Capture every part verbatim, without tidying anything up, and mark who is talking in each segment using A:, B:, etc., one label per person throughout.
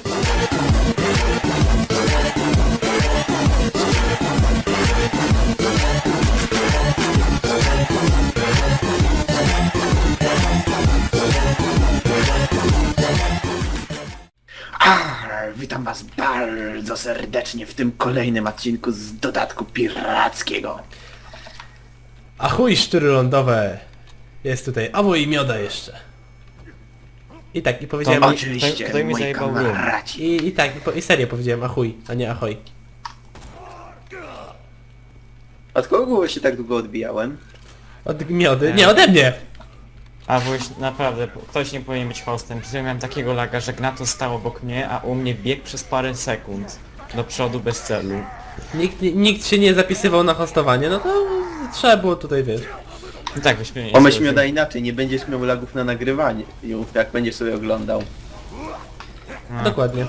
A: Arr, witam was bardzo serdecznie w tym kolejnym odcinku z dodatku pirackiego.
B: Achuj, szczury lądowe! Jest tutaj Awo i Mioda jeszcze. I tak, i powiedziałem...
A: Oczywiście,
C: Kto- kto mi
A: moi
C: zajebał room?
A: kamraci.
B: I, I tak, i, po, i serio powiedziałem achuj, a nie ahoj.
A: Od kogo się tak długo odbijałem?
B: Od Miody?
C: Nie.
B: Nie, ode mnie!
C: A bo już naprawdę, ktoś nie powinien być hostem. Przecież miałem takiego laga, że Gnato stał obok mnie, a u mnie biegł przez parę sekund. Do przodu bez celu.
B: Nikt, nikt się nie zapisywał na hostowanie, no to trzeba było tutaj, wiesz.
C: I tak byśmy nie
A: Pomyśl mi da inaczej, nie będziesz miał lagów na nagrywanie, jak będziesz sobie oglądał.
C: No.
B: Dokładnie.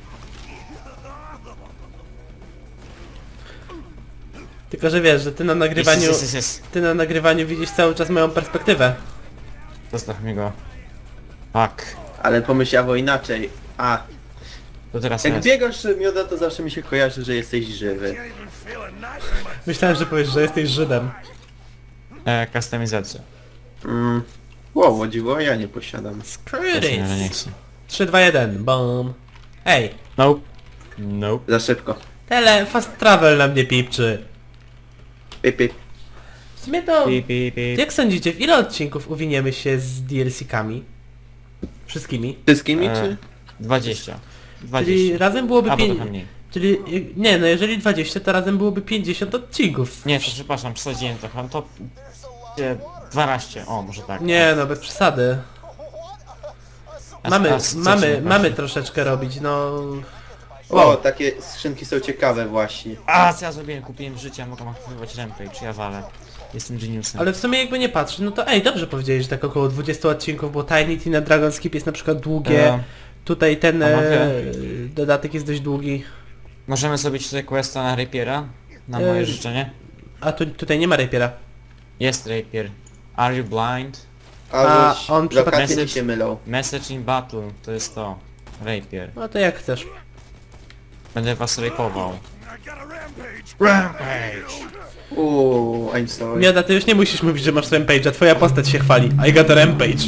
B: Tylko, że wiesz, że ty na nagrywaniu...
C: Jest, jest, jest, jest.
B: Ty na nagrywaniu widzisz cały czas moją perspektywę.
C: Zostaw mi go. Fuck.
A: Ale pomyślało inaczej. A,
C: To teraz
A: jak
C: jest.
A: biegasz mioda, to zawsze mi się kojarzy, że jesteś żywy.
B: Myślałem, że powiesz, że jesteś Żydem.
C: E, kustomizacja.
A: Mm. Wow, o dziwo, ja nie posiadam.
B: Screw
C: Właśnie, że nie
B: this.
C: chcę.
B: trzy, dwa, jeden, bom. Ej,
C: Nope. Nope.
A: Za szybko.
B: tele, fast travel na mnie pipczy.
A: Pip, pip.
B: W sumie to...
C: Pip, pip, pip.
B: Jak sądzicie, w ile odcinków uwiniemy się z D L C-kami? Wszystkimi?
A: Wszystkimi,
C: E,
A: czy?
C: dwadzieścia.
B: Czyli
C: dwadzieścia.
B: razem byłoby
C: Albo
B: pię...
C: trochę mniej.
B: Czyli... Nie, no jeżeli dwadzieścia, to razem byłoby pięćdziesiąt odcinków.
C: Nie, to przepraszam, przesadziłem trochę. To... e, dwanaście. O, może tak.
B: Nie, no bez przesady.
C: A-
B: Mamy,
C: a co ci
B: mamy,
C: nie
B: mamy
C: parzy?
B: troszeczkę robić, no...
A: O,
B: Wow.
A: takie skrzynki są ciekawe właśnie.
C: A, co ja zrobiłem? Kupiłem życie, mogę aktywować rampage, czy ja walę. Jestem geniusem.
B: Ale w sumie jakby nie patrzeć, no to ej, dobrze powiedziałeś, że tak około dwudziestu odcinków, bo Tiny Tina Dragon Skip jest na przykład długie.
C: E,
B: Tutaj ten
C: a
B: e,
C: mogę?
B: dodatek jest dość długi.
C: Możemy zrobić tutaj questa na Rapiera? Na
B: E,
C: moje życzenie?
B: A tu, tutaj nie ma rapiera.
C: Jest Rapier. Are you blind?
A: A,
B: A,
A: już
B: on
A: lokacje
C: przypadkiem-
A: mi się mylą.
C: Message in battle, to jest to. Rapier.
B: No to jak chcesz.
C: Będę was rapował. Rampage!
A: Uuu, I'm sorry.
B: Mioda, ty już nie musisz mówić, że masz rampage'a, twoja postać się chwali. I got a rampage.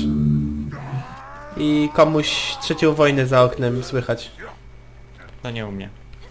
B: I komuś trzecią wojnę za oknem słychać.
C: To nie u mnie.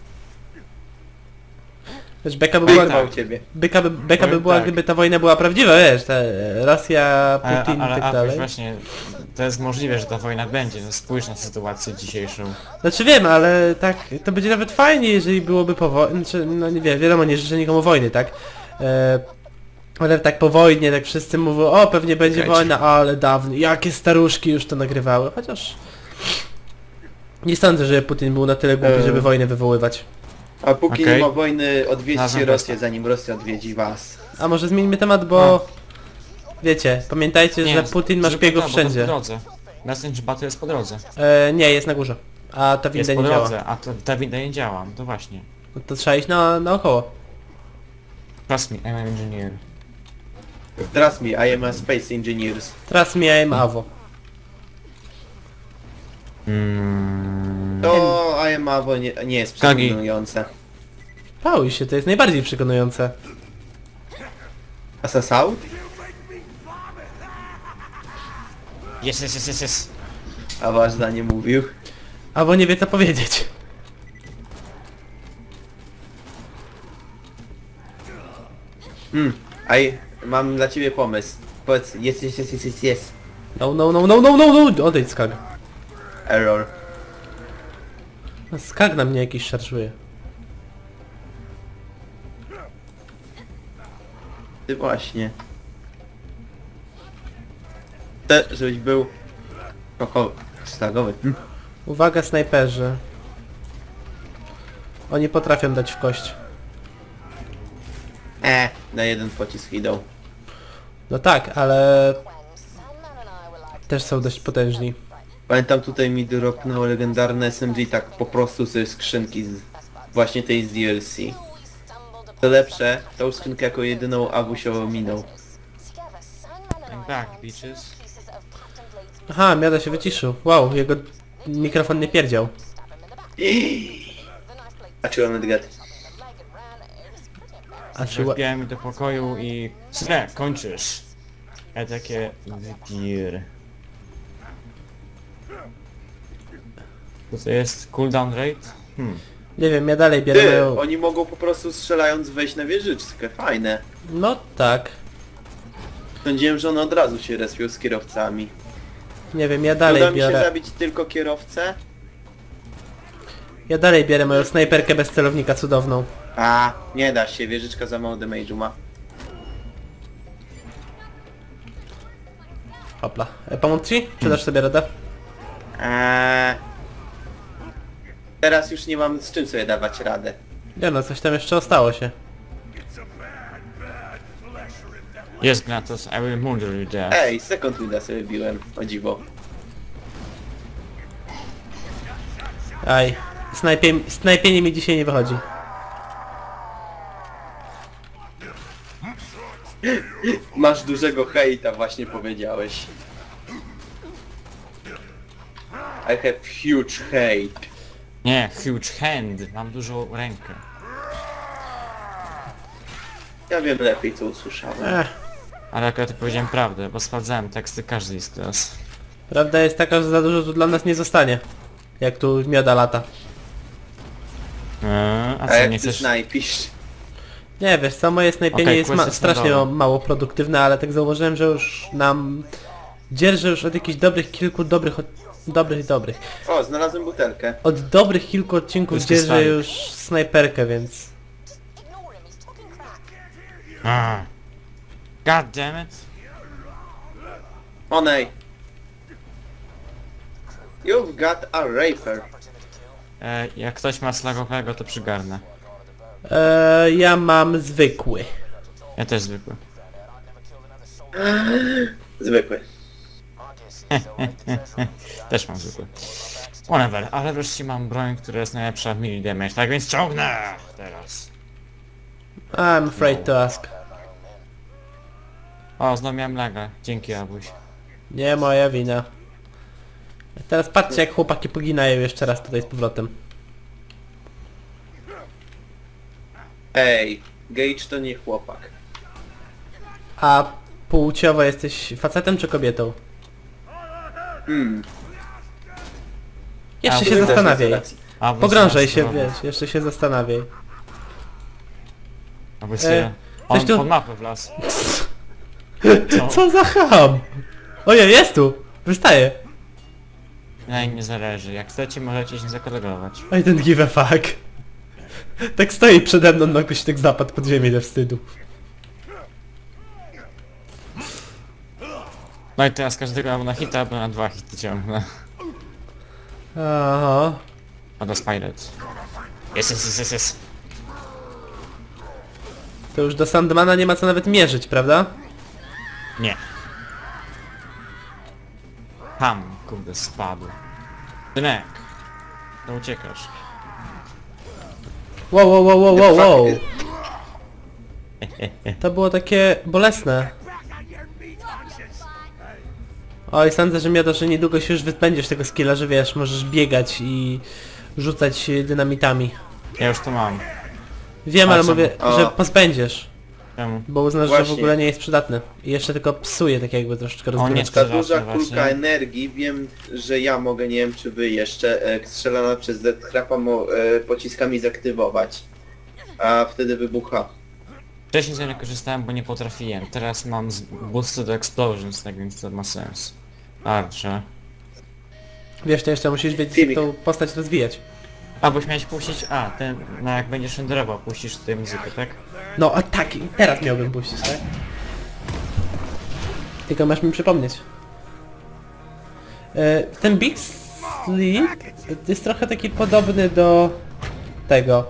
B: Wiesz, beka by była,
A: Była u ciebie.
B: beka by, beka by
C: Powiem
B: była,
C: tak.
B: gdyby ta wojna była prawdziwa, wiesz, te Rosja,
C: Ale,
B: Putin i
C: ale
B: tak
C: a,
B: dalej.
C: właśnie, to jest możliwe, że ta wojna będzie. No spójrz na sytuację dzisiejszą.
B: Znaczy wiem, ale tak, to będzie nawet fajnie, jeżeli byłoby po wojnie, znaczy, no nie wiem, wiadomo, nie życzę nikomu wojny, tak? E, ale tak po wojnie, tak wszyscy mówią, o pewnie będzie
A: Czekajcie.
B: wojna, ale dawno, jakie staruszki już to nagrywały, chociaż... Nie sądzę, że Putin był na tyle głupi,
A: E.
B: żeby wojnę wywoływać.
A: A póki
C: Okej.
A: nie ma wojny, odwiedźcie
C: Nazwę
A: Rosję, zanim Rosja odwiedzi was.
B: A może zmieńmy temat, bo... Wiecie, pamiętajcie, że Putin ma
C: zrób
B: szpiegów
C: to, bo to
B: wszędzie.
C: po drodze. Message battle jest po drodze.
B: E, nie, jest na górze. A ta
C: Jest
B: winda
C: po
B: nie działa.
C: drodze, a to, ta winda nie działa. To właśnie.
B: No to trzeba iść na, naokoło.
C: Trust me, I'm an engineer.
A: Trust me, I am a space engineers.
B: Teraz miałem Awo.
C: Mm.
A: To I am Avo nie, nie jest
C: Kagi.
A: przekonujące.
B: Pałuj się, to jest najbardziej przekonujące.
A: Assassault?
C: Jest, jest, jest, jest, jest.
A: A wasz zdanie mówił.
B: Albo nie wie co powiedzieć.
A: Hmm, I mam dla ciebie pomysł. Powiedz, jest, jest, jest, jest, jest, jest.
B: No, no, no, no, no, no, no, odejdź skag.
A: Error.
B: No, skag na mnie jakiś szarżuje.
A: Ty właśnie. Chcę, żebyś był... Koko... Slagowy. Hmm.
B: Uwaga, snajperzy. Oni potrafią dać w kość.
A: E, na jeden pocisk idą.
B: No tak, ale... Też są dość potężni.
A: Pamiętam, tutaj mi dropnęło legendarne S M G tak po prostu ze skrzynki z właśnie tej z D L C. Co lepsze, tą skrzynkę jako jedyną Awusio minął.
C: I'm back, bitches.
B: Aha, Miada się wyciszył. Wow, jego mikrofon nie pierdział.
A: A czy on Edgar?
B: A czy... ła-
C: Wbiłem do pokoju i... Słuchaj, kończysz. Ja takie... Wypir. Co to jest? Cooldown rate? Hmm.
B: Nie wiem, ja dalej biorę
A: Ty,
B: moją...
A: oni mogą po prostu strzelając wejść na wieżyczkę, fajne.
B: No tak.
A: Sądziłem, że one od razu się respią z kierowcami.
B: Nie wiem, ja
A: Uda
B: dalej
A: mi się
B: biorę...
A: zabić tylko kierowcę?
B: Ja dalej biorę moją snajperkę bez celownika cudowną.
A: A, nie da się, wieżyczka za mało damage'u ma.
B: Hopla. E, pomóc ci? Czy dasz sobie radę?
A: Eee... Teraz już nie mam z czym sobie dawać radę.
B: Nie no, coś tam jeszcze ostało się.
C: Yes, Gnatos, I will murder you there.
A: Ej, second winda sobie biłem, o dziwo.
B: Aj. Snajpie... Snajpienie mi dzisiaj nie wychodzi.
A: Masz dużego hejta, właśnie powiedziałeś. I have huge hate.
C: Nie, huge hand. Mam dużą rękę.
A: Ja wiem lepiej co usłyszałem.
B: Ech.
C: Ale akurat ja powiedziałem prawdę, bo sprawdzałem teksty każdej z klas.
B: Prawda jest taka, że za dużo tu dla nas nie zostanie. Jak tu mioda lata.
C: Eee, a
A: A
C: co,
A: jak
C: nie
A: ty
C: chcesz...
A: snajpisz?
B: Nie wiesz co, moje snajpienie
C: Okej,
B: jest
C: quest
B: ma
C: jest
B: strasznie
C: na dole.
B: mało produktywne, ale tak zauważyłem, że już nam... Dzierżę już od jakichś dobrych kilku dobrych... Od... Dobrych, dobrych.
A: O, znalazłem butelkę.
B: Od dobrych kilku odcinków
C: Pusty
B: dzierżę
C: stalik.
B: już snajperkę, więc...
C: Ah. God damn it.
A: Onej. You've got a raper.
C: E, jak ktoś ma slagowego, to przygarnę.
B: Eee, ja mam zwykły.
C: Ja też zwykły.
A: Zwykły.
C: Też mam zwykły. Whatever, ale wreszcie mam broń, która jest najlepsza w melee damage, tak więc ciągnę teraz.
B: I'm afraid to ask.
C: O, znowu miałem laga. Dzięki, Abuś.
B: Nie moja wina. Teraz patrzcie jak chłopaki poginają jeszcze raz tutaj z powrotem.
A: Ej, Gage to nie chłopak.
B: A płciowo jesteś facetem czy kobietą?
A: Hmm.
B: Jeszcze
C: A,
B: się
C: bo-
B: zastanawiaj.
C: Abuś
B: Pogrążaj
C: zaraz
B: się,
C: zrobię.
B: wiesz, jeszcze się zastanawiaj.
C: Abuś
B: E,
C: sobie... On
B: coś tu-
C: pod mapę wlazł. Co?
B: Co za ham! Ojej, jest tu! Wystaje!
C: Na im nie zależy. Jak chcecie, możecie się zakolegować.
B: I don't give a fuck. Tak stoi przede mną, nagle się tak zapadł pod ziemię ze wstydu.
C: No i teraz każdego albo na hita, albo na dwa hity ciągnę.
B: Aha.
C: A do Spirit. Jest, jest, jest, jest, jest.
B: To już do Sandmana nie ma co nawet mierzyć, prawda?
C: Nie. Tam, kurde, spadł. Dynek. To uciekasz.
B: Wow, wow, wow, wow, wow, wow. To było takie bolesne. Oj, sądzę, że Miodo, że niedługo się już wyzbędziesz tego skilla, że wiesz, możesz biegać i rzucać dynamitami.
C: Ja już to mam.
B: Wiem,
C: A
B: ale
C: co?
B: mówię,
A: O.
B: że pozbędziesz,
C: Czemu?
B: bo uznasz, że w
A: Właśnie.
B: ogóle nie jest przydatny. I jeszcze tylko psuje tak jakby troszeczkę
C: nie,
B: rozgryweczkę.
A: Ta
C: Zobaczmy
A: duża
C: właśnie.
A: kulka energii, wiem, że ja mogę, nie wiem czy wy jeszcze, e, strzelana przez Death Trapa mo, e, pociskami zaktywować. A wtedy wybucha.
C: Wcześniej z niej nie korzystałem, bo nie potrafiłem. Teraz mam z- boosted explosions, tak więc to ma sens. Arcze.
B: Wiesz, to jeszcze musisz wiedzieć,
A: Filmik.
B: jak tą postać rozwijać.
C: A, boś miałeś puścić... A, ten... No jak będziesz renderował, puścisz tę muzykę, tak?
B: No, a tak, i teraz miałbym puścić, tak? Tylko masz mi przypomnieć. E, ten Big Sleep jest trochę taki podobny do tego.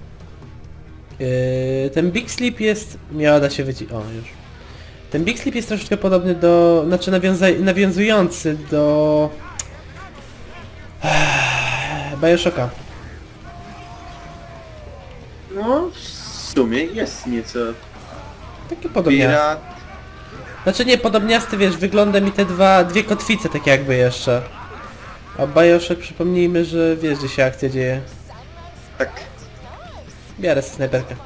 B: E, ten Big Sleep jest... Miała da się wyci... O, już. Ten Big Sleep jest troszeczkę podobny do... Znaczy nawiąza... nawiązujący do... Bioshocka.
A: No, w sumie jest nieco.
B: Takie podobnie.
A: Pirat.
B: Znaczy nie, podobniasty, wiesz, wyglądem i te dwa, dwie kotwice takie jakby jeszcze. A Bioshock, przypomnijmy, że wiesz, gdzie się akcja dzieje.
A: Tak.
B: Biorę sobie snajperkę.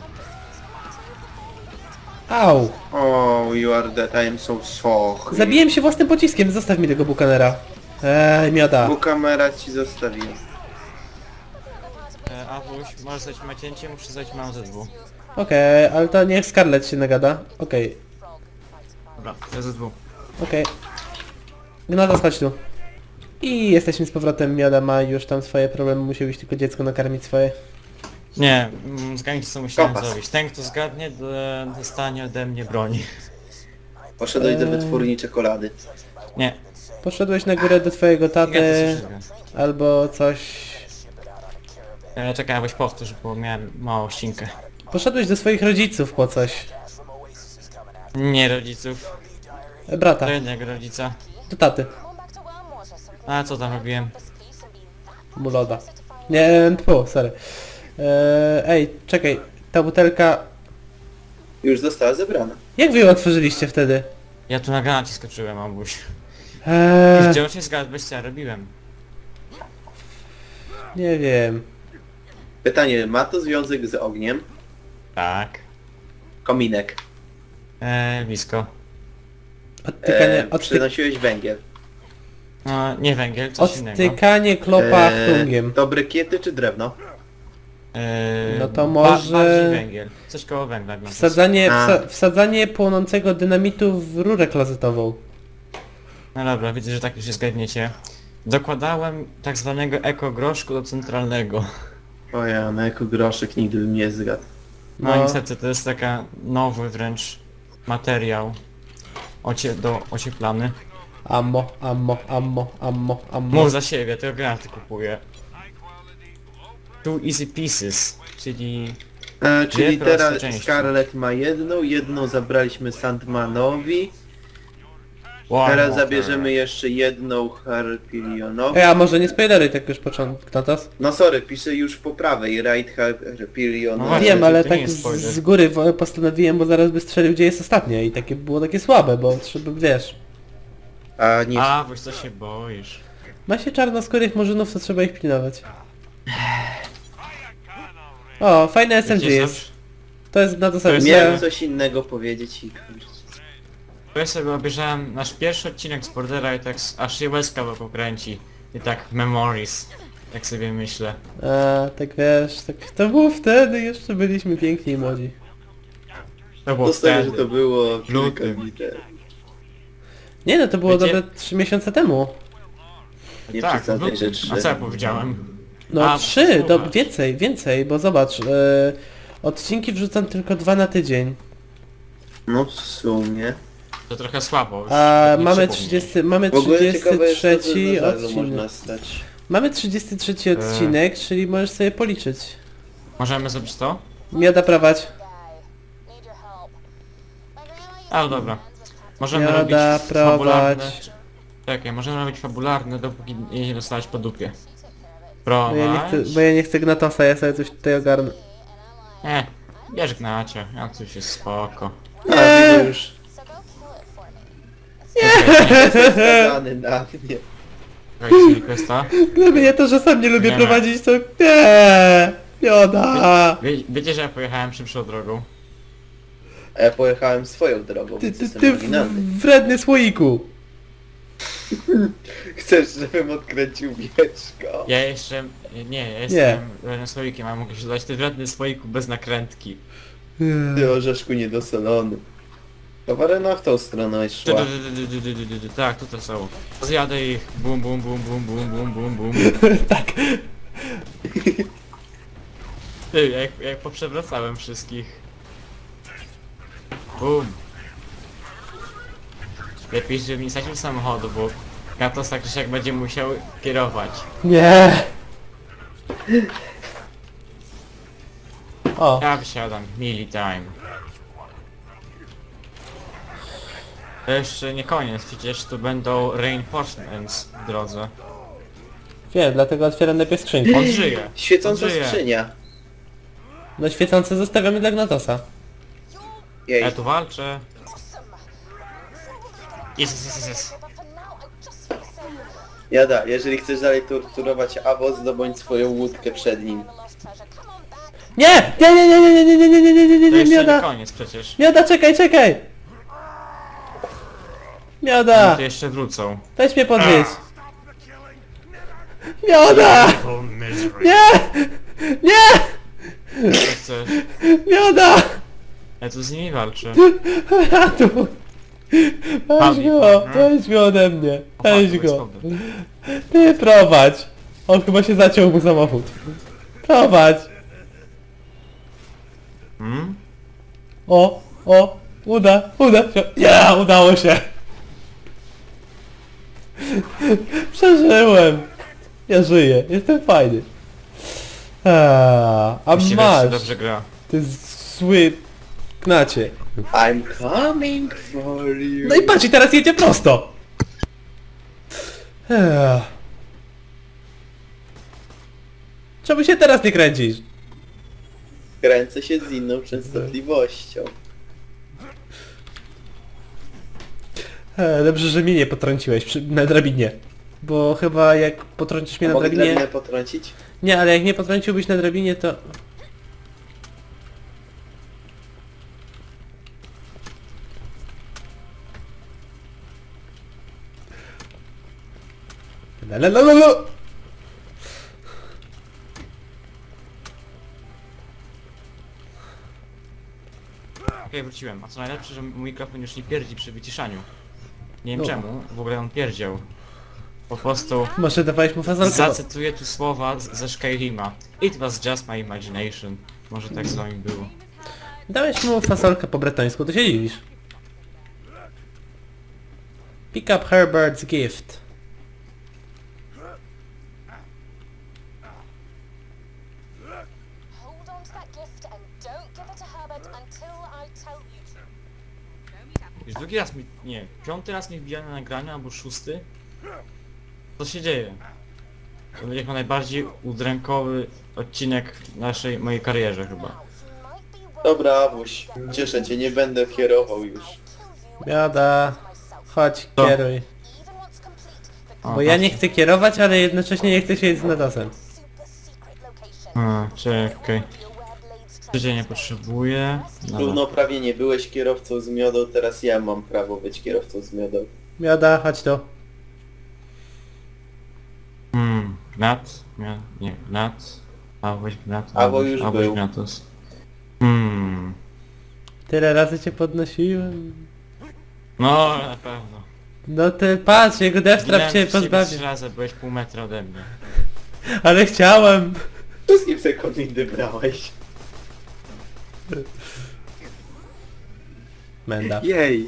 B: Au!
A: Oh, you are dead, I am so sorry.
B: Zabiłem się własnym pociskiem, zostaw mi tego Bukanera. Eee, mioda.
A: Bo kamera ci zostawiła.
C: E, Awuś, możesz zdać macięcie, muszę zdać mam Z W.
B: Okej, ale to niech Scarlett się nagada. Okej,
C: Dobra, Z W.
B: okej. Gnata, chodź tu. I jesteśmy z powrotem, mioda ma już tam swoje problemy, musi być tylko dziecko nakarmić swoje.
C: Nie, mm, zgadnijcie co musiałem
A: Kompas.
C: zrobić. Ten kto zgadnie, do- dostanie ode mnie broni.
A: Poszedłeś do
B: Eee.
A: wytwórni czekolady.
C: Nie,
B: Poszedłeś na górę do twojego
C: ja to
B: taty,
C: słyszę.
B: albo coś...
C: E, czekaj, abyś powtórz, bo miałem małą ścinkę.
B: Poszedłeś do swoich rodziców po coś.
C: Nie rodziców,
B: E, Brata,
C: do jednego rodzica.
B: do taty.
C: A co tam robiłem?
B: Mu loda. Nie, tfu, sorry. Eee, ej, czekaj, ta butelka...
A: Już została zebrana.
B: Jak wy ją otworzyliście wtedy?
C: Ja tu na granacie skoczyłem, Abuś.
B: Eee,
C: Gdzie się zgadłeś co ja robiłem?
B: nie wiem.
A: Pytanie, ma to związek z ogniem?
C: Tak.
A: Kominek.
C: E, blisko.
B: Odtykanie,
A: E,
B: odtyk,
A: przynosiłeś węgiel.
C: No, nie węgiel, coś innego.
B: odtykanie klopa
A: E,
B: plungiem.
A: to brykiety czy drewno?
C: E,
B: No to
C: ba-
B: może-
C: bardziej węgiel. Coś koło węgla. Wsadzę...
B: Wsadzanie,
A: A.
B: wsa, wsadzanie płonącego dynamitu w rurę klozetową.
C: No dobra, widzę, że tak już się zgadniecie. Dokładałem tak zwanego ekogroszku do centralnego.
A: O ja, na jako groszek nigdy bym nie zgadł.
C: No,
B: No.
C: niestety to jest taka nowy wręcz materiał ocie do ocieplany.
B: Ammo, ammo, ammo, ammo, ammo.
C: Mów za siebie, tylko granaty kupuję. Two easy pieces, czyli...
A: E, czyli
C: proste
A: teraz
C: części.
A: Scarlett ma jedną, jedną zabraliśmy Sandmanowi,
C: Wow,
A: teraz
C: Walker.
A: zabierzemy jeszcze jedną Harpilionowi.
B: Ej, a może nie spoileruj tak już początek, Natas?
A: No sorry, piszę już po prawej, Right
C: No
A: Harpilionowi.
C: właśnie,
B: Wiem,
C: to-
B: ale
C: to
B: tak
C: nie jest
B: z,
C: spoiler.
B: z góry wo- postanowiłem, bo zaraz by strzelił, gdzie jest ostatnie i takie było takie słabe, bo trzeba, wiesz...
A: A nie,
C: A, bo co się boisz?
B: Ma się czarnoskórych murzynów, to trzeba ich pilnować. O, fajne S M G
C: Wiecie,
B: jest.
C: zawsze-
B: To jest na to sobie.
C: jest-
A: miałem
C: nie.
A: coś innego powiedzieć i kurczę.
C: Bo ja sobie obejrzałem nasz pierwszy odcinek z Bordera i tak s- aż się łezka wokół kręci. I tak memories. Tak sobie myślę.
B: A, tak wiesz, tak to było wtedy, jeszcze byliśmy piękni i młodzi.
C: To było
A: Zostawię, że
C: wtedy.
A: to było kilka
C: lutym.
A: dni temu.
B: Nie no, to było
C: Wiecie-
B: dobre trzy miesiące temu.
A: Nie
C: Tak,
A: przesadzaj,
C: w
A: że
C: lutym.
A: trzy.
C: A co ja powiedziałem?
B: No
C: A,
B: trzy, to
C: słuchaj.
B: więcej, więcej, bo zobacz, e, odcinki wrzucam tylko dwa na tydzień.
A: No w sumie.
C: To trochę słabo. już
B: A
C: tak nie
B: mamy
C: przypomnij.
B: trzydziesty, mamy
A: W ogóle ciekawe jest to, że
B: trzydziesty trzeci
A: na żalu
B: odcinek.
A: można stać.
B: Mamy trzydziesty trzeci odcinek, czyli możesz sobie policzyć.
C: Możemy zrobić to?
B: Mioda prowadź.
C: Ale dobra. Możemy
B: Joda,
C: robić
B: prowadź.
C: fabularne... Czekaj, możemy robić fabularne, dopóki jej nie dostałeś po dupie.
B: Bo ja nie
C: Prowadź.
B: chcę, bo ja nie chcę Gnatosa, ja sobie coś tutaj ogarnę.
C: Nie, bierz gnacie, ja coś jest spoko.
A: A, widzę już.
C: Nie!
A: Jestem skazany na mnie.
C: Czekajcie, questa.
B: Gdyby nie to, że sam nie lubię
C: Nie.
B: prowadzić, to nie, Mioda.
C: Wie, wiecie, że ja pojechałem szybszą drogą?
A: A ja pojechałem swoją drogą,
B: Ty,
A: więc
B: ty,
A: jestem
B: ty
A: oryginalny.
B: w- wredny słoiku.
A: Chcesz, żebym odkręcił wieczko?
C: Ja jeszcze... Nie, ja jestem wrednym słoikiem, a mogę się dodać ty wredny słoiku bez nakrętki.
A: Ty orzeszku niedosolony. Kawarena w tą stronę
C: Ty,
A: szła.
C: ty, ty, ty, ty, ty, ty, ty, Tak, tutaj są. Zjadę ich. Bum, bum, bum, bum, bum, bum, bum, bum.
B: Tak.
C: Ty, jak, jak poprzewracałem wszystkich. Bum. Lepiej, żebym nie sadził samochodu, bo Gatos tak czy jak będzie musiał kierować.
B: Nie. O,
C: Ja wysiadam, mili time. To jeszcze nie koniec, przecież tu będą reinforcements w drodze.
B: wiem, dlatego otwieram najpierw skrzynkę.
C: On żyje.
A: Świecąca
C: On żyje.
A: skrzynia.
B: No świecące zostawiamy dla Gnatosa.
A: Jej.
C: Ja tu walczę. Jest, jest, jest, jest.
A: Jada, jeżeli chcesz dalej torturować Awo, zdobądź swoją łódkę przed nim.
B: Nie! Nie, nie, nie, nie, nie, nie, nie, nie, nie, nie, nie,
C: To
B: nie,
C: jeszcze nie
B: Mioda!
C: koniec przecież.
B: Mioda, czekaj, czekaj! Mioda!
C: No to jeszcze wrócą.
B: Weź mnie podwieźć. Mioda! Nie! Nie!
C: Co chcesz?
B: Mioda!
C: Ja tu z nimi walczę.
B: Ratu! Weź
C: Fabi,
B: go!
C: partner.
B: Weź go ode mnie!
C: O,
B: Weź
C: fuck,
B: go!
C: bez
B: Ty prowadź! On chyba się zaciął mu samochód. Prowadź!
C: Hmm?
B: O! O! Uda! Uda się! Ja! Udało się! Przeżyłem! Ja żyję! Jestem fajny! A, a
C: Właściwie się
B: masz!
C: dobrze gra.
B: Ty zły knacie.
A: I'm coming for you.
B: No i patrz, i teraz jedzie prosto! Ech. Czemu się teraz nie kręcisz?
A: Kręcę się z inną częstotliwością.
B: E, dobrze, że mnie nie potrąciłeś przy, na drabinie. Bo chyba jak potrącisz mnie
A: A
B: na
A: mogę
B: drabinie...
A: drabinę potrącić?
B: Nie, ale jak nie potrąciłbyś na drabinie, to... La, la, la, la, la.
C: Okej, wróciłem. A co najlepsze, że mój mikrofon już nie pierdzi przy wyciszaniu. Nie wiem
B: No.
C: czemu, w ogóle on pierdział. Po prostu
B: Może dawałeś mu fazolkę? bo-
C: zacytuję tu słowa z- ze Skyrima. It was just my imagination. Może tak z wami było.
B: Dałeś mu fasolkę po bretońsku, to się dziwisz. Pick up Herbert's gift.
D: Hold on to that gift and don't give it to Herbert until I tell you to.
C: Już drugi raz mi... nie, piąty raz mi wbija na nagraniu, albo szósty. Co się dzieje? To będzie chyba najbardziej udrękowy odcinek naszej, mojej karierze chyba.
D: Now, he might be worth
A: Dobra, Awuś, cieszę cię, nie będę kierował już.
B: Biada. Chodź,
C: Co?
B: kieruj.
D: even once complete the
C: O,
B: Bo ja nie
C: patrz.
B: chcę kierować, ale jednocześnie nie chcę siedzieć z nadasem.
D: super secret location.
C: A, czekaj.
D: Be aware Blade's
C: Tydzień nie
D: treasure
C: potrzebuję. Dobra.
A: Równoprawie byłeś kierowcą z miodą, teraz ja mam prawo być kierowcą z miodą.
B: Biada, chodź tu.
C: Hmm, gnat? Mia... nie, gnat. Awoś gnat.
A: Awo już
C: Awoś
A: był.
C: gnatus. Hmm.
B: Tyle razy cię podnosiłem.
C: No, na pewno.
B: No ty patrz, jego Death Trap
C: Zginąłem
B: cię
C: przez ciebie
B: pozbawi.
C: trzy razy, byłeś pół metra ode mnie.
B: Ale chciałem.
A: Wszystkie sekundy brałeś.
B: Menda.
A: Jej.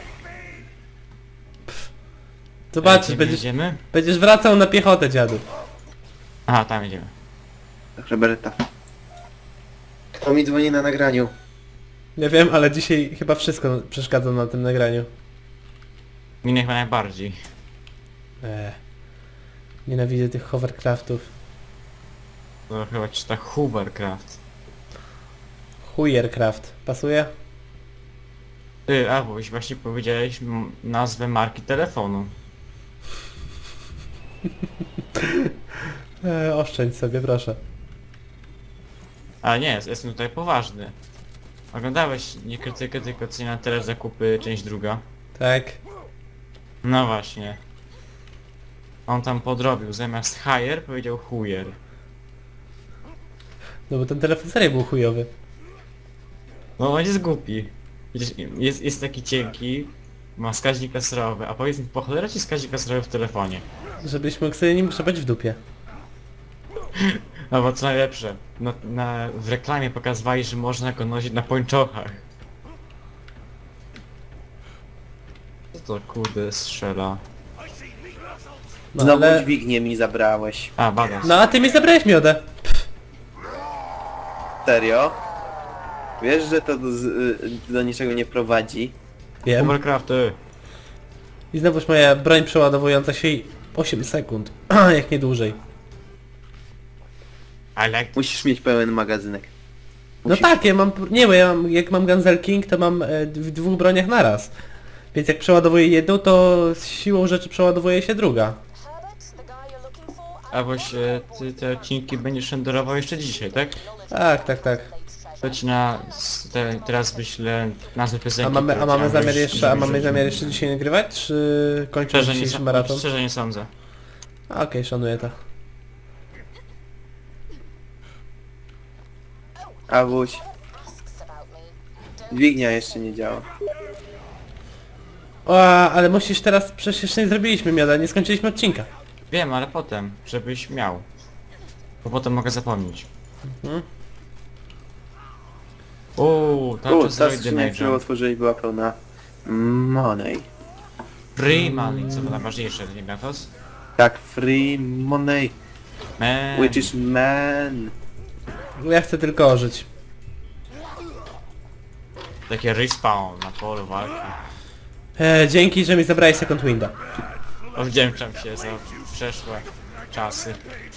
B: Zobaczysz,
C: Gdzie my
B: będziesz,
C: Idziemy?
B: będziesz wracał na piechotę, dziadu.
C: Aha, tam idziemy.
A: Roberta. Kto mi dzwoni na nagraniu?
B: Nie wiem, ale dzisiaj chyba wszystko przeszkadza na tym nagraniu.
C: Mnie chyba najbardziej.
B: Eee. Nienawidzę tych hovercraftów.
C: To chyba czyta Hoovercraft.
B: Hujercraft. Pasuje?
C: Ty, Awoś, właśnie powiedziałeś m- nazwę marki telefonu.
B: Eee, oszczędź sobie, proszę.
C: Ale nie, jest- jestem tutaj poważny. Oglądałeś nie krytykę, tylko cena teraz zakupy, część druga.
B: Tak.
C: No właśnie. On tam podrobił, zamiast hire powiedział hujer.
B: No bo ten telefon serio był chujowy.
C: No on jest głupi. Widzisz, jest, jest taki cienki, ma wskaźnik laserowy, a powiedz mi, po cholera ci wskaźnik laserowy w telefonie?
B: Żebyś mógł sobie nim grzebać w dupie.
C: Albo co najlepsze, no, na, w reklamie pokazywali, że można go nosić na pończochach. Co to kurde strzela?
B: No
A: Znowu
B: ale...
A: dźwignię mi zabrałeś.
C: A, badasz.
B: No a ty mi zabrałeś miodę.
A: Serio? Wiesz, że to do, z- do niczego nie prowadzi?
B: Wiem.
C: Overcrafty.
B: I znowuż moja broń przeładowująca się i osiem sekund. Jak nie dłużej.
C: I like...
A: Musisz mieć pełen magazynek.
B: No
A: Musisz.
B: tak, ja mam... Nie, bo ja mam, jak mam Gunsel King, to mam e, w dwóch broniach naraz. Więc jak przeładowuję jedną, to z siłą rzeczy przeładowuje się druga.
D: Herbert, the
C: A właśnie ty te odcinki będziesz renderował jeszcze dzisiaj, tak?
B: Tak, tak, tak.
C: To ci na... s- Te, teraz wyślę nazwę piosenki.
B: A mamy, a
C: które
B: mamy
C: chciałem
B: zamiar
C: wrzucić,
B: jeszcze, a
C: żeby
B: mamy
C: wrzucić.
B: zamiar jeszcze dzisiaj nagrywać, czy kończymy
C: Szczerze nie,
B: dzisiejszy
C: sa-
B: maraton?
C: szczerze nie sądzę.
B: A, Okej, szanuję to.
A: Awuś,
D: Asks about me.
A: dźwignia jeszcze nie działa.
B: O, ale musisz teraz, przecież jeszcze nie zrobiliśmy mioda, nie skończyliśmy odcinka.
C: Wiem, ale potem, żebyś miał. Bo potem mogę zapomnieć.
B: Mhm.
C: Uuu,
A: U,
C: tarcza
A: ta
C: z Roy
A: skrzynia, którą
C: Damage'em.
A: otworzyli, była pełna money.
C: Free money, co to najważniejsze, nie Gatos?
A: Tak, free money,
C: Man.
A: which is man.
B: Ja chcę tylko ożyć.
C: Takie respawn na polu walki.
B: E, dzięki, że mi zabrałeś Second Winda.
C: Odwdzięczam się za przeszłe czasy.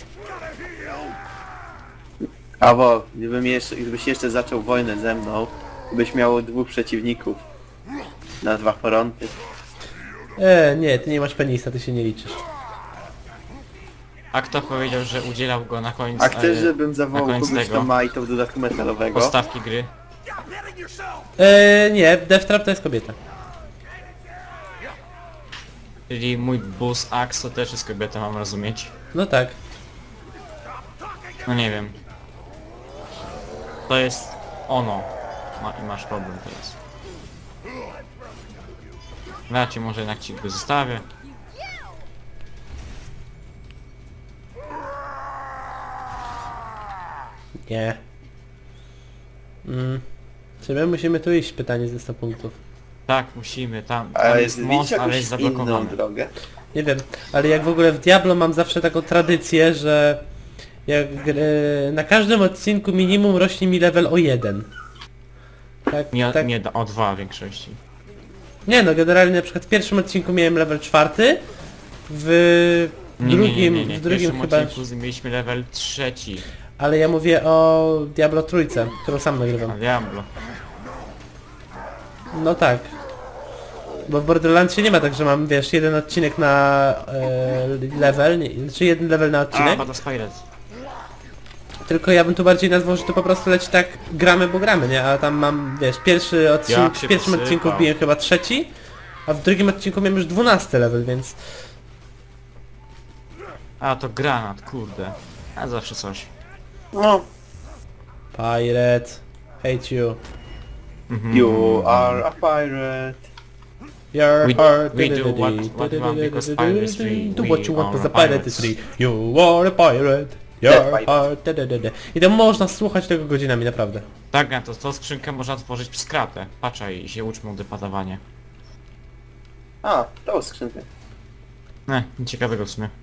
A: Awo, gdybym jeszcze, gdybyś jeszcze zaczął wojnę ze mną, byś miał dwóch przeciwników. Na dwa fronty.
B: E, nie, ty nie masz penisa, ty się nie liczysz.
C: A kto powiedział, że udzielał go na końcu
A: A chcesz,
C: e,
A: żebym
C: na
A: zawołał
C: koniec
A: kogoś,
C: tego
A: kto ma i to w dodatku metalowego?
C: podstawki gry?
B: E, nie, Deathtrap to jest kobieta.
C: Czyli mój bus Axe to też jest kobieta, mam rozumieć.
B: No tak.
C: No nie wiem. To jest ono. Ma, i masz problem teraz. Ja ci może jednak ci go zostawię.
B: Nie. Mm. Czy my musimy tu iść? Pytanie ze sto punktów.
C: Tak, musimy, tam, tam
A: Ale
C: jest
A: widzicie
C: most, ale
A: jakąś
C: jest
A: inną
C: zablokowany.
A: drogę?
B: Nie wiem, ale jak w ogóle w Diablo mam zawsze taką tradycję, że jak gry, na każdym odcinku minimum rośnie mi level o jeden. Tak,
C: Nie,
B: tak.
C: nie, o dwa w większości.
B: Nie no, generalnie na przykład w pierwszym odcinku miałem level czwarty, w
C: Nie,
B: drugim,
C: nie, nie, nie.
B: w
C: W
B: drugim
C: pierwszym
B: chyba,
C: odcinku mieliśmy level trzeci.
B: ale ja mówię o Diablo trójce, którą sam nagrywam.
C: A Diablo.
B: No tak. Bo w Borderlandsie nie ma tak, że mam, wiesz, jeden odcinek na e, level, nie, czy jeden level na
C: A,
B: odcinek,
C: Bada Spirit.
B: tylko ja bym tu bardziej nazwał, że to po prostu leci tak gramy, bo gramy, nie? A tam mam, wiesz, pierwszy odcinek,
C: Jak
B: w
C: się
B: pierwszym
C: posypał.
B: odcinku wbiłem chyba trzeci, a w drugim odcinku miałem już dwunasty level, więc...
C: A, to granat, kurde. A zawsze coś.
A: No.
B: Pirate, hate you.
C: Mhm.
A: You are a pirate.
B: Your
C: We-
B: heart...
C: we do what- what we want because pirate is free.
B: Do
C: We
B: what you want
C: are
B: because the pirate is
C: pirates.
B: free. You are a pirate.
A: Dead
B: Your
A: pirate.
B: heart... da, da, da, da. I to można słuchać tego godzinami, naprawdę.
C: Tak, na to, to skrzynkę można otworzyć przez kratę. Patrzaj i się uczmy depadawanie.
A: A, tą skrzynkę.
C: Ne, nic ciekawego w sumie.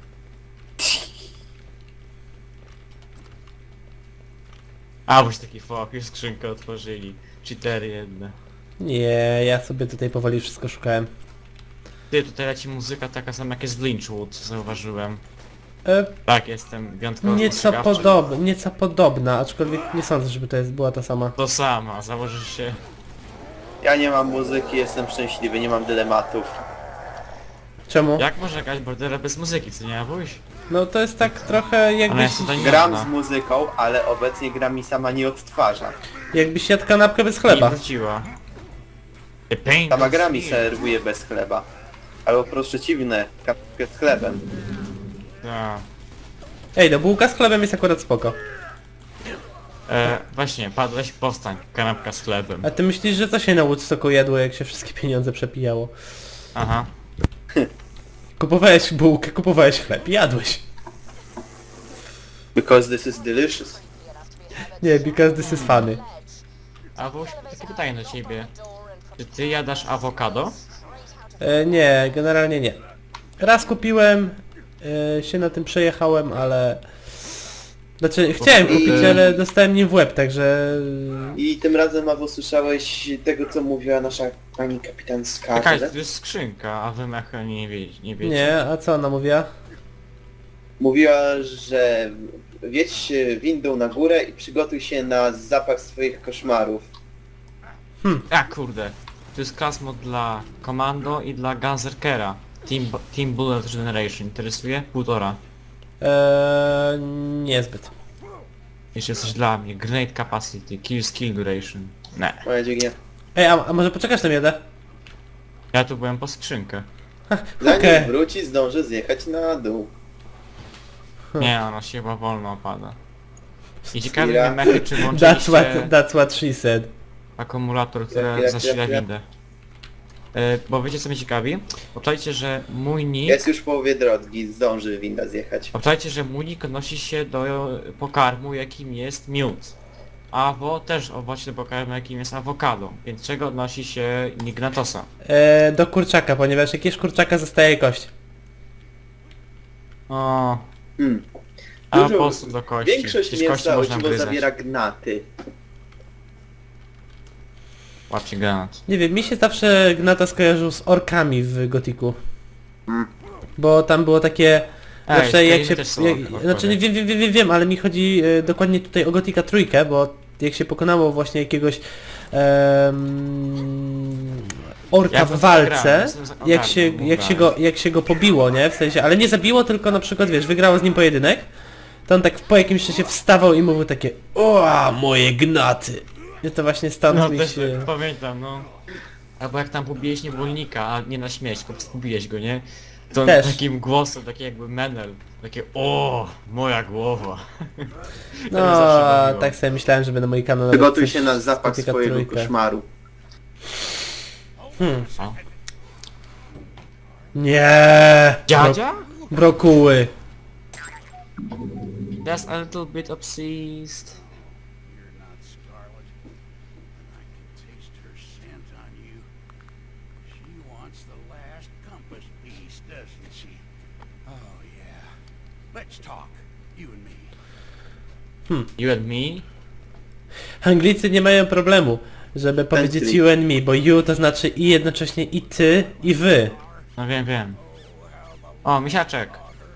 C: A, boś taki fok, już skrzynkę otworzyli. Cheatery jedne.
B: Nie, ja sobie tutaj powoli wszystko szukałem.
C: Ty, tutaj leci muzyka taka sama jak jest w Lynchwood, zauważyłem.
B: E,
C: Tak, jestem wyjątkowo
B: nieco,
C: spostrzegawczy.
B: podob, nieco podobna, aczkolwiek nie sądzę, żeby to jest, była ta sama.
C: To sama, założysz się...
A: Ja nie mam muzyki, jestem szczęśliwy, nie mam dylematów.
B: Czemu?
C: Jak może grać bordera bez muzyki, co nie Abuś?
B: No to jest tak trochę jakbyś,
C: jest tutaj nie
A: Gram
C: można.
A: z muzyką, ale obecnie gra mi sama nie odtwarza.
B: jakbyś jadł kanapkę bez
C: I
B: chleba.
C: wróciła. The pain
A: Sama
C: is
A: gra mi
C: here.
A: serwuje bez chleba. Albo po prostu przeciwne, kapkę z chlebem.
C: Tak.
B: Ej, no bułka z chlebem jest akurat spoko.
C: E, właśnie, padłeś, powstań, kanapka z chlebem.
B: A ty myślisz, że co się na Woodstocku jadło, jak się wszystkie pieniądze przepijało?
C: Aha.
B: Kupowałeś bułkę, kupowałeś chleb i jadłeś.
A: Because this is delicious.
B: Nie, because this is funny.
C: Abuś, takie pytanie do ciebie. Czy ty jadasz awokado?
B: E, nie, generalnie nie. Raz kupiłem, e, się na tym przejechałem, ale... Znaczy, chciałem kupić, ale dostałem nim w łeb, także...
A: I tym razem, Awo, słyszałeś tego, co mówiła nasza pani kapitan
C: Jakaś,
A: Scarlett?
C: to jest skrzynka, a wy mecha nie, wie, nie wiecie.
B: Nie, a co ona mówiła?
A: Mówiła, że wiedź windą na górę i przygotuj się na zapach swoich koszmarów.
C: A kurde. To jest class mod dla Commando i dla Gunzerkera. Team, Team Bullet Generation. Interesuje? Półtora.
B: Eee, niezbyt.
C: Jeszcze coś dla mnie. Grenade capacity, kill skill duration. Ne.
A: Moja dźwignia.
B: Ej, a, a może poczekasz na miodę?
C: Ja tu byłem po skrzynkę.
A: Zanim
B: Okej.
A: wróci, zdąży zjechać na dół.
C: Nie, ona się chyba wolno opada. I ciekawe
A: Chwila.
C: mnie mechy, czy
B: That's
C: włączyliście
B: what, that's what she said.
C: akumulator,
A: Chwila,
C: który
A: chwila,
C: zasila
A: chwila.
C: windę. E, bo wiecie co mnie ciekawi? Obczajcie, że mój nick...
A: Jest już w połowie drogi, zdąży winda zjechać.
C: Obczajcie, że mój nick odnosi się do pokarmu, jakim jest miód. Awo też odnosi się do pokarmu, jakim jest awokado. Więc czego odnosi się nick Gnatosa?
B: Eee, do kurczaka, ponieważ jak jesz kurczaka zostaje kość.
C: O,
A: Hmm.
C: a po
A: Dużo-
C: prostu do kości.
A: Większość
C: Przecież kości
A: mięsa
C: można
A: uciło
C: gryzać.
A: zawiera gnaty.
C: Łapcie granat.
B: Nie wiem, mi się zawsze Gnata skojarzył z orkami w Gotiku.
A: Mm.
B: Bo tam było takie...
C: Ej,
B: Zawsze jak
C: Skyrim
B: się...
C: też są
B: Jak,
C: orkowie.
B: znaczy nie wiem, wiem, wiem, wiem, wiem, ale mi chodzi e, dokładnie tutaj o Gotika trójkę, bo jak się pokonało właśnie jakiegoś em, orka
C: Ja
B: w
C: bym zagrał,
B: walce,
C: jestem za-
B: jak się,
C: ogarnął,
B: jak, się
C: ogarnął.
B: go, jak się go pobiło, nie? W sensie, ale nie zabiło, tylko na przykład, wiesz, wygrało z nim pojedynek, to on tak po jakimś czasie wstawał i mówił takie o, moje gnaty. I to właśnie stąd
C: No
B: mi
C: też
B: się...
C: pamiętam, no. Albo jak tam pobiłeś niewolnika, a nie na śmierć, tylko pobiłeś go, nie? To on
B: Też.
C: takim głosem, taki jakby menel. Takie o, moja głowa.
B: No,
C: mnie zawsze bawiło.
B: tak sobie myślałem, że będę mój kanał...
A: Przygotuj
B: coś
A: się na
B: z
A: zapach
B: Gotika
A: swojego
B: trójkę.
A: koszmaru.
B: Hmm.
C: Co?
B: Nie.
C: Dziadzia?
B: Bro brokuły.
C: That's a little bit obsessed.
E: You're not Scarlet, and I can taste her scent on you. She wants the last compass piece, doesn't she? Oh yeah. Let's talk, you and me.
C: You and me?
B: Anglicy nie mają problemu, żeby powiedzieć
A: Tęskni.
B: you and me, bo you to znaczy i jednocześnie i ty, i wy.
C: No wiem, wiem. O, misiaczek.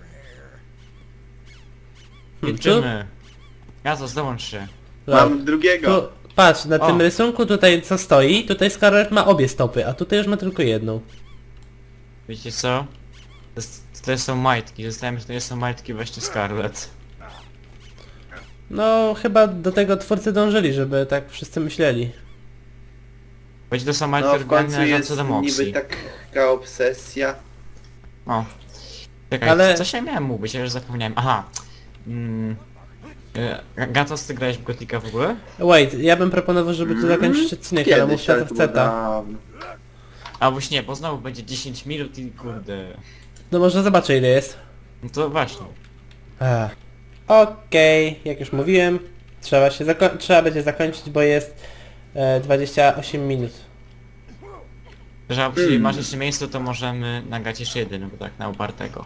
B: Hmm,
C: Jedziemy. Ja to zdąż się.
A: Mam drugiego.
B: Tu, patrz, na
C: O.
B: tym rysunku tutaj co stoi, tutaj Scarlet ma obie stopy, a tutaj już ma tylko jedną.
C: Wiecie co? To, jest, to są majtki, zostałem, że to nie są majtki właśnie Scarlet.
B: No, chyba do tego twórcy dążyli, żeby tak wszyscy myśleli.
C: Będzie to są majtki
A: No w końcu
C: oryginalne
A: jest
C: co do
A: niby
C: Moxie.
A: taka obsesja.
C: O. Czekaj,
B: Ale-
C: coś ja miałem mówić, ja już zapomniałem. Aha. Mm. E, Gatos, ty grałeś w Gotika w ogóle?
B: Wait, ja bym proponował, żeby tu zakończyć odcinek, ale
A: Kiedyś,
B: muszę
A: ale
B: to
A: to było
B: chce ta.
A: dawno.
C: A już nie, bo znowu będzie dziesięć minut i kurde.
B: No może zobaczę ile jest.
C: No to właśnie.
B: Ach. Okej, jak już mówiłem, trzeba się zako- trzeba będzie zakończyć, bo jest e, dwadzieścia osiem minut.
C: Że jeśli
A: Hmm.
C: masz jeszcze miejsce, to możemy nagrać jeszcze jeden, bo tak na upartego.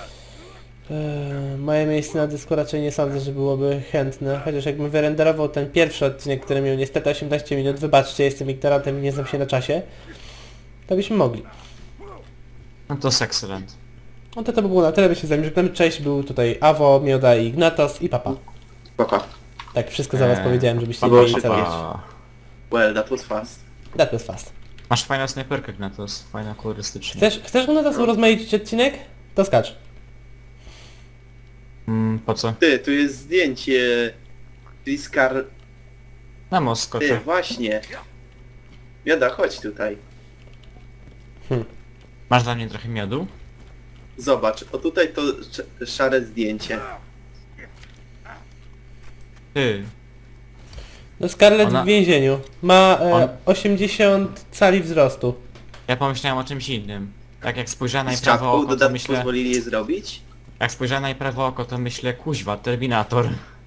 B: E, moje miejsce na dysku raczej nie sądzę, że byłoby chętne, chociaż jakbym wyrenderował ten pierwszy odcinek, który miał niestety osiemnaście minut, wybaczcie, jestem ignorantem i nie znam się na czasie, to byśmy mogli.
C: No to jest excellent.
B: No to to by było na tyle, by się z wami żegnamy. Cześć, był tutaj Awo, Mioda i Ignatos i Papa.
A: Papa.
B: Tak, wszystko za was
C: Eee,
B: powiedziałem, żebyście nie
A: Paweł
B: mieli
A: się
B: co
A: pa.
B: wiedzieć.
A: Well, that was fast.
B: That was fast.
C: Masz fajną snajperkę, Gnatos, fajna kolorystycznie.
B: Chcesz, chcesz Ignatos urozmaicić odcinek? To skacz.
C: Mm, po co?
A: Ty, tu jest zdjęcie. Triskar...
C: Na most
A: Ty,
C: skoczę.
A: właśnie. Joda, chodź tutaj.
C: Masz dla mnie trochę miodu?
A: Zobacz, o tutaj to sz- szare zdjęcie.
C: Ty.
B: No Scarlett
C: Ona-
B: w więzieniu. Ma e,
C: On-
B: osiemdziesiąt cali wzrostu.
C: Ja pomyślałem o czymś innym. Tak jak spojrzałem na jej
A: Z
C: prawe
A: czapką
C: oko, to
A: dodatku
C: myślę...
A: pozwolili je zrobić?
C: Jak spojrzałem na jej prawe oko, to myślę, kuźwa, Terminator.